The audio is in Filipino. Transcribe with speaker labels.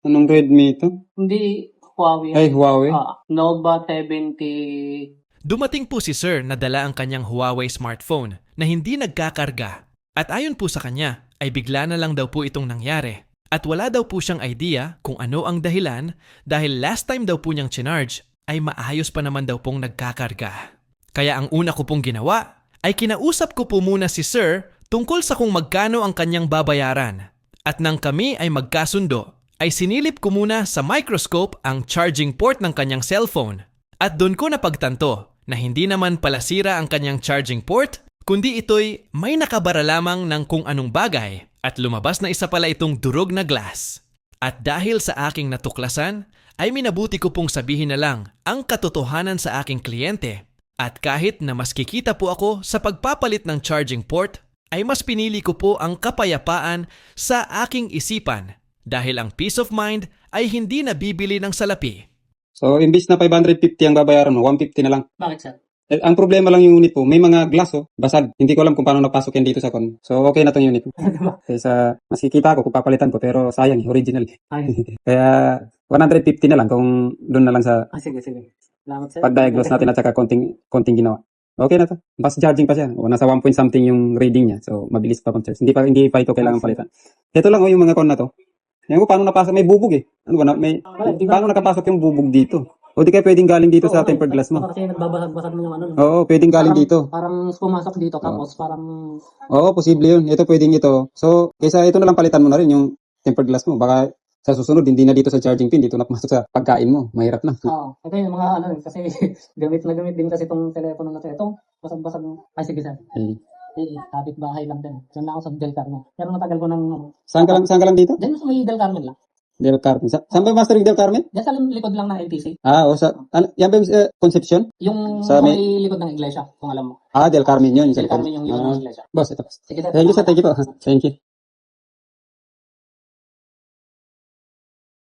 Speaker 1: Anong Redmi ito?
Speaker 2: Hindi Huawei.
Speaker 1: Ay, Huawei.
Speaker 2: Nova 70.
Speaker 3: Dumating po si Sir na dala ang kanyang Huawei smartphone na hindi nagkakarga. At ayon po sa kanya, ay bigla na lang daw po itong nangyari. At wala daw po siyang idea kung ano ang dahilan dahil last time daw po niyang chinarge ay maayos pa naman daw pong nagkakarga. Kaya ang una ko pong ginawa ay kinausap ko po muna si Sir tungkol sa kung magkano ang kanyang babayaran. At nang kami ay magkasundo, ay sinilip ko muna sa microscope ang charging port ng kanyang cellphone. At doon ko napagtanto na hindi naman pala sira ang kanyang charging port, kundi ito'y may nakabara lamang ng kung anong bagay at lumabas na isa pala itong durog na glass. At dahil sa aking natuklasan, ay minabuti ko pong sabihin na lang ang katotohanan sa aking kliyente. At kahit na mas kikita po ako sa pagpapalit ng charging port, ay mas pinili ko po ang kapayapaan sa aking isipan dahil ang peace of mind ay hindi nabibili ng salapi.
Speaker 1: So, imbis na 550 ang babayaran mo, 150 na lang.
Speaker 2: Bakit, sir?
Speaker 1: Ang problema lang yung unit po, may mga glass basag. Hindi ko alam kung paano napasok yan dito sa con. So, okay na tong unit. Kaysa, mas kikita ko kung papalitan ko, pero sayang, original. Kaya, 150 na lang kung doon na lang sa
Speaker 2: Sige. Salamat, sir.
Speaker 1: pag-diagnose natin at saka konting ginawa. Okay na to. Fast charging pa siya. O, nasa 1 point something yung reading niya. So, mabilis pa pang charge. Hindi pa ito kailangan palitan. Ito lang yung mga con na to. Yan ko, paano napasok? May bubog eh. Ano ba? Paano nakapasok yung bubog dito? O di kaya pwedeng galing dito sa tempered glass mo?
Speaker 2: Kasi nagbabasag-basag mo yung ano.
Speaker 1: Oo, pwedeng galing dito.
Speaker 2: Parang pumasok dito tapos parang...
Speaker 1: Oo, posible yun. Ito pwedeng ito. So, kaysa ito na lang palitan mo na rin yung tempered glass mo. Baka sa susunod, hindi na dito sa charging pin, dito na pumasok sa pagkain mo. Mahirap na.
Speaker 2: Oo. Ito yung mga ano, kasi gamit na gamit din kasi itong telepono na ito. Ito, basag-basag. Ay, sige, sir. Kapit bahay lang din. Diyan lang ako sa Del Carmen. Pero matagal ko nang...
Speaker 1: Saan ka lang dito?
Speaker 2: Diyan sa may Del Carmen lang.
Speaker 1: Del Carmen. Saan ba yung Master Del Carmen?
Speaker 2: Diyan sa likod lang ng LTC.
Speaker 1: O yan ba yung Concepcion?
Speaker 2: Yung
Speaker 1: Sa
Speaker 2: may likod ng iglesia, kung alam mo.
Speaker 1: Del Carmen yun.
Speaker 2: Del Carmen yung likod ng iglesia.
Speaker 1: Boss, ito.
Speaker 2: Sige, sir.
Speaker 1: Thank you, sir. Thank you po. Thank you.